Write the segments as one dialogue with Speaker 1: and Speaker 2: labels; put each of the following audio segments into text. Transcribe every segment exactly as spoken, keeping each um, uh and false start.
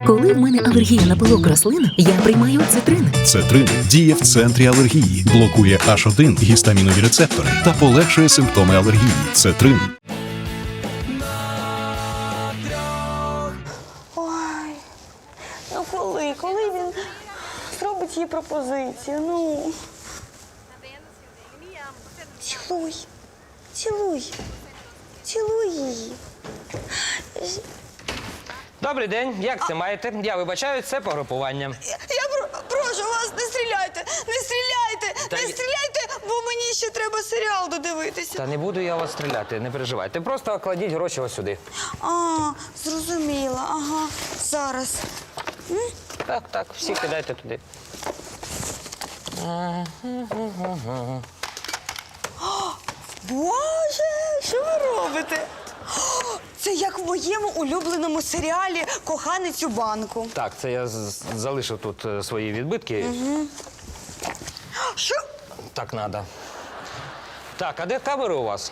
Speaker 1: Коли в мене алергія на пилок рослин, я приймаю цитрин.
Speaker 2: Цетрин діє в центрі алергії, блокує аш один гістамінові рецептори та полегшує симптоми алергії. Цетрин.
Speaker 3: Ой, ну коли, коли він зробить їй пропозицію, ну. Цілуй, цілуй, цілуй її.
Speaker 4: Добрий день, як це маєте? Я вибачаю, це погрупування.
Speaker 3: Я, я про- прошу вас, не стріляйте, не стріляйте,
Speaker 4: Та
Speaker 3: не
Speaker 4: й-
Speaker 3: стріляйте, бо мені ще треба серіал додивитися.
Speaker 4: Та не буду я вас стріляти, не переживайте. Просто кладіть гроші ось сюди.
Speaker 3: А, зрозуміла, ага, зараз.
Speaker 4: Так, так, всі кидайте туди.
Speaker 3: Боже, що ви робите? О, це як в моєму улюбленому серіалі «Коханець у банку».
Speaker 4: Так, це я з- залишив тут е, свої відбитки.
Speaker 3: Що?
Speaker 4: Так треба. Так, а де камери у вас?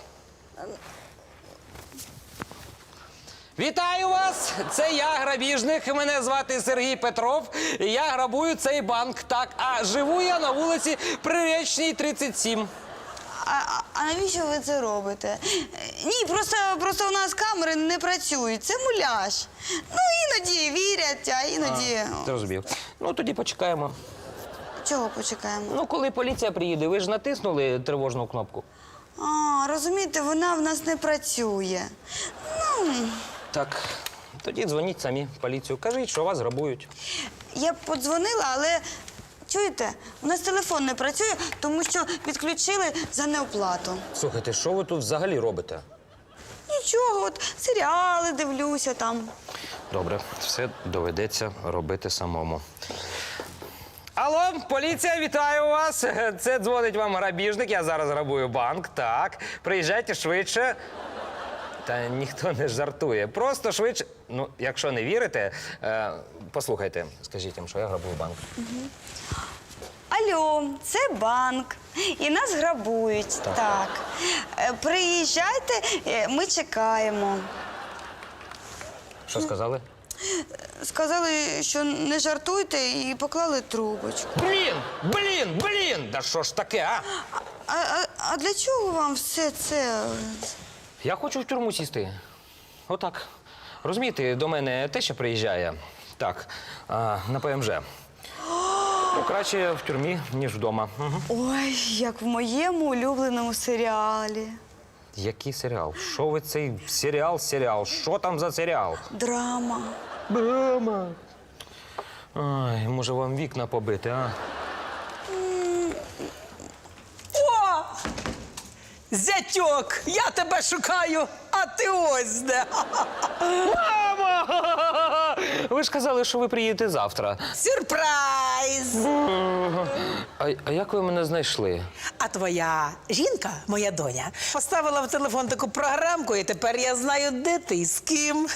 Speaker 4: Вітаю вас! Це я, грабіжник. Мене звати Сергій Петров. Я грабую цей банк. Так, а живу я на вулиці Приречній, тридцять сім.
Speaker 3: А, а, а навіщо ви це робите? Ні, просто, просто у нас камери не працюють. Це муляж. Ну, іноді вірять, а іноді...
Speaker 4: Зрозумів. Ну, тоді почекаємо.
Speaker 3: Чого почекаємо?
Speaker 4: Ну, коли поліція приїде, ви ж натиснули тривожну кнопку.
Speaker 3: А, розумієте, вона в нас не працює. Ну,
Speaker 4: Так, тоді дзвоніть самі в поліцію. Кажіть, що вас грабують.
Speaker 3: я б подзвонила, але... Чуєте, у нас телефон не працює, тому що відключили за неоплату.
Speaker 4: Слухайте, що ви тут взагалі робите?
Speaker 3: Нічого, от серіали дивлюся там.
Speaker 4: Добре, все доведеться робити самому. Алло, поліція, вітаю вас. Це дзвонить вам грабіжник, я зараз грабую банк. Так, приїжджайте швидше. Та ніхто не жартує. Просто швидше. Ну, якщо не вірите, е, послухайте, скажіть їм, що я грабую банк.
Speaker 3: Алло, це банк. І нас грабують.
Speaker 4: Так.
Speaker 3: Так. Е, Приїжджайте, е, ми чекаємо.
Speaker 4: Що сказали?
Speaker 3: Сказали, що не жартуйте, і поклали трубочку.
Speaker 4: Блін, блін, блін! Да що ж таке, а?
Speaker 3: А, а, а для чого вам все це?
Speaker 4: Я хочу в тюрму сісти. Отак. Розумієте, до мене те, що приїжджає. Так, а, на ПМЖ. Ну, краще в тюрмі, ніж вдома. Угу.
Speaker 3: Ой, як в моєму улюбленому серіалі.
Speaker 4: Який серіал? Що ви цей серіал, серіал? Що там за серіал?
Speaker 3: Драма.
Speaker 4: Драма. Ай, може вам вікна побити, а?
Speaker 5: О! Зятьок, я тебе шукаю, а ти ось де.
Speaker 4: Мама! Ви ж казали, що ви приїдете завтра.
Speaker 5: Сюрприз!
Speaker 4: А, а як ви мене знайшли?
Speaker 5: А твоя жінка, моя доня, поставила в телефон таку програмку, і тепер я знаю, де ти і з ким.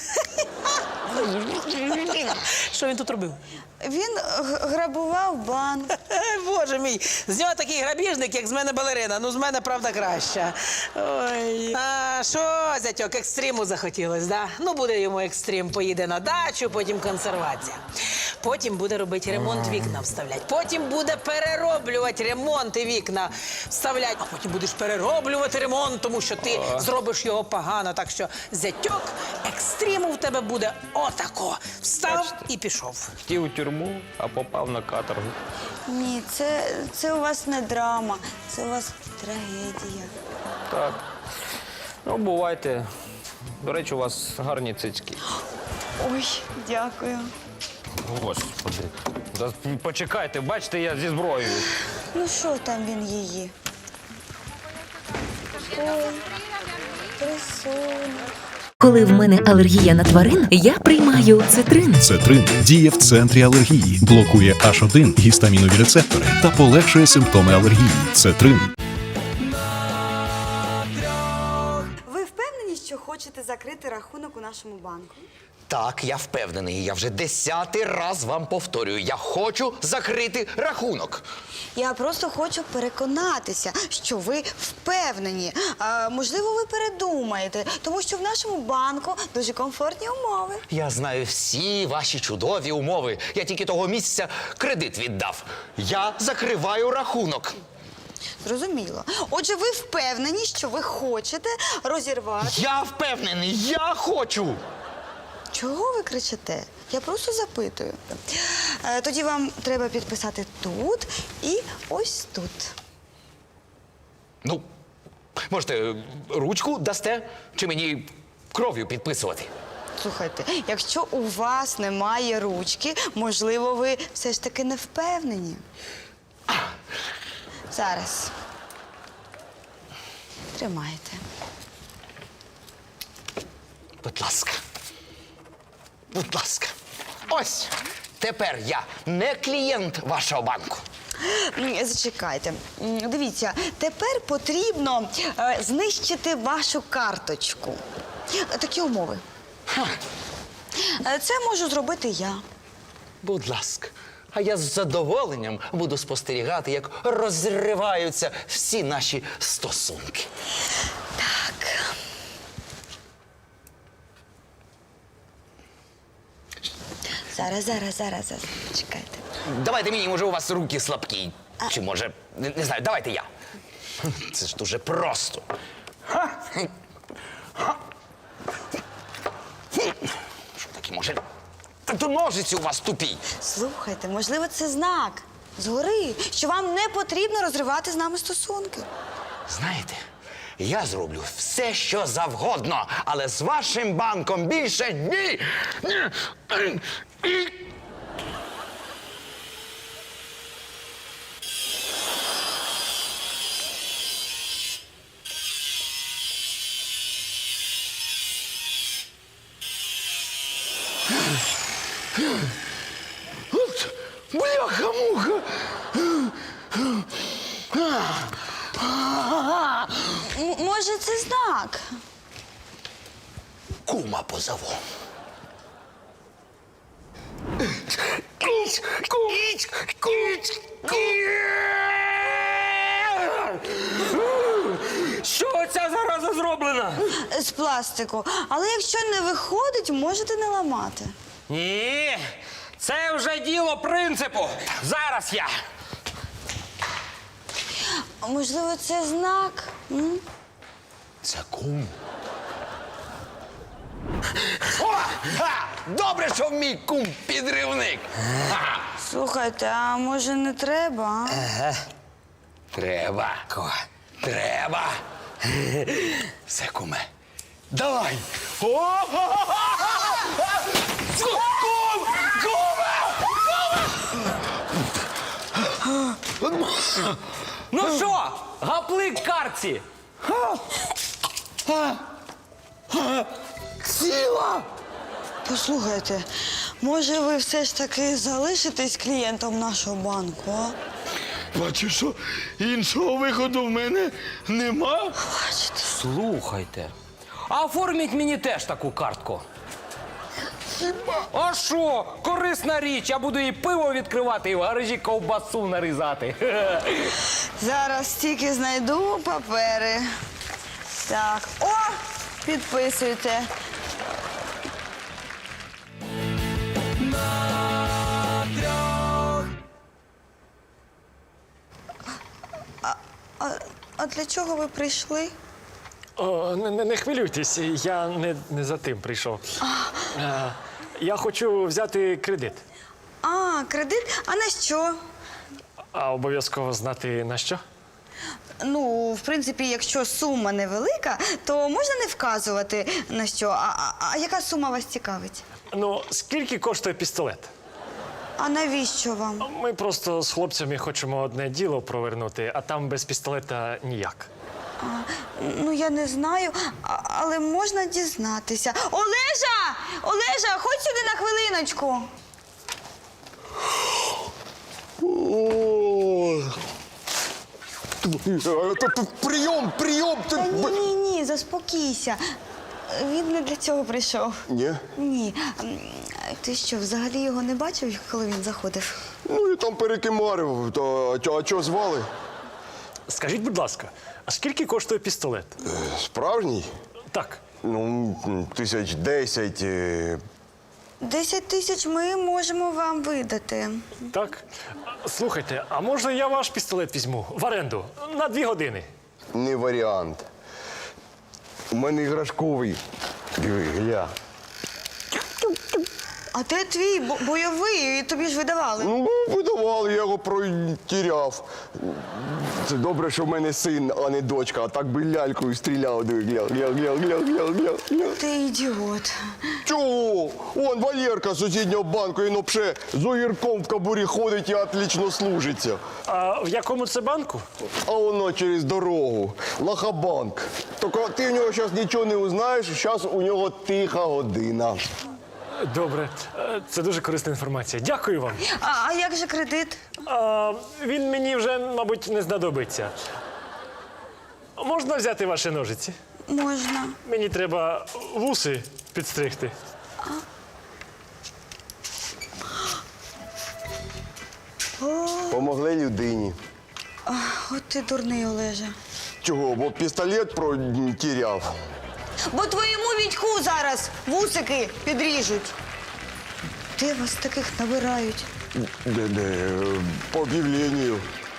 Speaker 5: Що він тут робив?
Speaker 3: Він г- грабував банк.
Speaker 5: Боже мій, з нього такий грабіжник, як з мене балерина. Ну, з мене, правда, краща. Ой. А що, зятьок, екстриму захотілось, да? Ну, буде йому екстрим, поїде на дачу, потім консервація. Потім буде робити ремонт, вікна вставляти. Потім буде перероблювати ремонт і вікна вставляти. А потім будеш перероблювати ремонт, тому що ти зробиш його погано. Так що, зятьок, екстриму в тебе буде отако. Встав і пішов.
Speaker 4: Хотів у тюрму, а попав на каторгу.
Speaker 3: Ні, це, це у вас не драма, це у вас трагедія.
Speaker 4: Так. Ну, бувайте. До речі, у вас гарні цицьки.
Speaker 3: Ой, дякую.
Speaker 4: Господи. Да почекайте, бачите, я зі зброєю.
Speaker 3: Ну що там він її? Ой, красуня.
Speaker 1: Коли в мене алергія на тварин, я приймаю цитрин.
Speaker 2: Цетрин діє в центрі алергії, блокує аш один гістамінові рецептори та полегшує симптоми алергії. Цетрин.
Speaker 3: Ви впевнені, що хочете закрити рахунок у нашому банку?
Speaker 6: Так, я впевнений. Я вже десятий раз вам повторюю. Я хочу закрити рахунок.
Speaker 3: Я просто хочу переконатися, що ви впевнені. А, можливо, ви передумаєте, тому що в нашому банку дуже комфортні умови.
Speaker 6: Я знаю всі ваші чудові умови. Я тільки того місяця кредит віддав. Я закриваю рахунок.
Speaker 3: Зрозуміло. Отже, ви впевнені, що ви хочете розірвати.
Speaker 6: Я впевнений, я хочу.
Speaker 3: Чого ви кричите? Я просто запитую. Е, Тоді вам треба підписати тут і ось тут.
Speaker 6: Ну, можете ручку дасте чи мені кров'ю підписувати?
Speaker 3: Слухайте, якщо у вас немає ручки, можливо, ви все ж таки не впевнені. Зараз. Тримайте.
Speaker 6: Будь ласка. Будь ласка. Ось. Тепер я не клієнт вашого банку.
Speaker 3: М, Зачекайте. М, Дивіться, тепер потрібно е, знищити вашу карточку. Е, Такі умови. Е, Це можу зробити я.
Speaker 6: Будь ласка. А я з задоволенням буду спостерігати, як розриваються всі наші стосунки.
Speaker 3: Так. Зараз, зараз, зараз, зараз. Чекайте.
Speaker 6: Давайте мені, може, у вас руки слабкі. Чи може, не, не знаю, давайте я. Це ж дуже просто. Що таке, може? Та то ножиці у вас тупі.
Speaker 3: Слухайте, можливо, це знак згори, що вам не потрібно розривати з нами стосунки.
Speaker 6: Знаєте, я зроблю все, що завгодно, але з вашим банком більше ні. Ні. Бляха-муха!
Speaker 3: М- може, це знак?
Speaker 6: Кума позову.
Speaker 4: Що ця зараза зроблена?
Speaker 3: З пластику. Але якщо не виходить, можете не ламати.
Speaker 4: Ні, це вже діло принципу. Зараз я.
Speaker 3: А можливо, це знак? М?
Speaker 6: Це кум. О! Ха! Добре, що мій кум підривник. Ха!
Speaker 3: Слухайте, а може не треба? а?
Speaker 6: Треба. Треба. Все, куме. Давай. О! Кум! Куме!
Speaker 4: Ну що, гаплик картці?
Speaker 6: Ціла!
Speaker 3: Послухайте, може ви все ж таки залишитесь клієнтом нашого банку, а?
Speaker 6: Бачу, що іншого виходу в мене нема.
Speaker 3: Бачите?
Speaker 4: Слухайте, а оформіть мені теж таку картку. А що? Корисна річ, я буду і пиво відкривати, і в гаражі ковбасу нарізати.
Speaker 3: Зараз тільки знайду папери. Так, о, підписуйте. А, а, а для чого ви прийшли?
Speaker 7: О, не, не, не хвилюйтесь, я не, не за тим прийшов. Е, Я хочу взяти кредит,
Speaker 3: А, кредит? А на що?
Speaker 7: а обов'язково знати на що.
Speaker 3: Ну, в принципі, якщо сума невелика, то можна не вказувати на що. А, а, а яка сума вас цікавить?
Speaker 7: Ну, скільки коштує пістолет?
Speaker 3: А навіщо вам?
Speaker 7: Ми просто з хлопцями хочемо одне діло провернути, а там без пістолета ніяк.
Speaker 3: Ну, я не знаю, а- але можна дізнатися. Олежа! Олежа, ходь сюди на хвилиночку.
Speaker 6: Прийом, прийом!
Speaker 3: Та ні, ні, ні, заспокійся. Він не для цього прийшов.
Speaker 8: Ні.
Speaker 3: Ні. М, Ти що, взагалі його не бачив, коли він заходив?
Speaker 8: Ну і там перекимарив. То, а, а чого звали?
Speaker 7: Скажіть, будь ласка, а скільки коштує пістолет?
Speaker 8: Справжній?
Speaker 7: Так.
Speaker 8: Ну, тисяч десять. е,
Speaker 3: Десять тисяч ми можемо вам видати.
Speaker 7: Так. Слухайте, а може я ваш пістолет візьму в оренду на дві години?
Speaker 8: Не варіант. У мене іграшковий. Диви, гля.
Speaker 3: А де твій бо- бойовий? Тобі ж видавали.
Speaker 8: Ну, видавали, я його протіряв. Це добре, що в мене син, а не дочка, а так би лялькою стріляв. Диви, гля, гля, гля, гля, гля, гля, гля.
Speaker 3: Ти ідіот.
Speaker 8: Чого? Вон Валєрка з сусіднього банку, він вообще з огірком в кабурі ходить і отлично служиться.
Speaker 7: А в якому це банку?
Speaker 8: А воно через дорогу. Лахабанк. Тільки ти в нього зараз нічого не узнаєш, зараз у нього тиха година.
Speaker 7: Добре, Е, це дуже корисна інформація. Дякую вам.
Speaker 3: А, а як же кредит?
Speaker 7: А, він мені вже, мабуть, не знадобиться. Можна взяти ваші ножиці?
Speaker 3: Можна.
Speaker 7: Мені треба вуси підстригти.
Speaker 8: Помогли людині.
Speaker 3: От ти дурний, Олеже.
Speaker 8: Чого? Бо пістолет протіряв.
Speaker 3: Бо твоєму Вітьку зараз вусики підріжуть. Де вас таких набирають?
Speaker 8: Де, де, по об'явленню.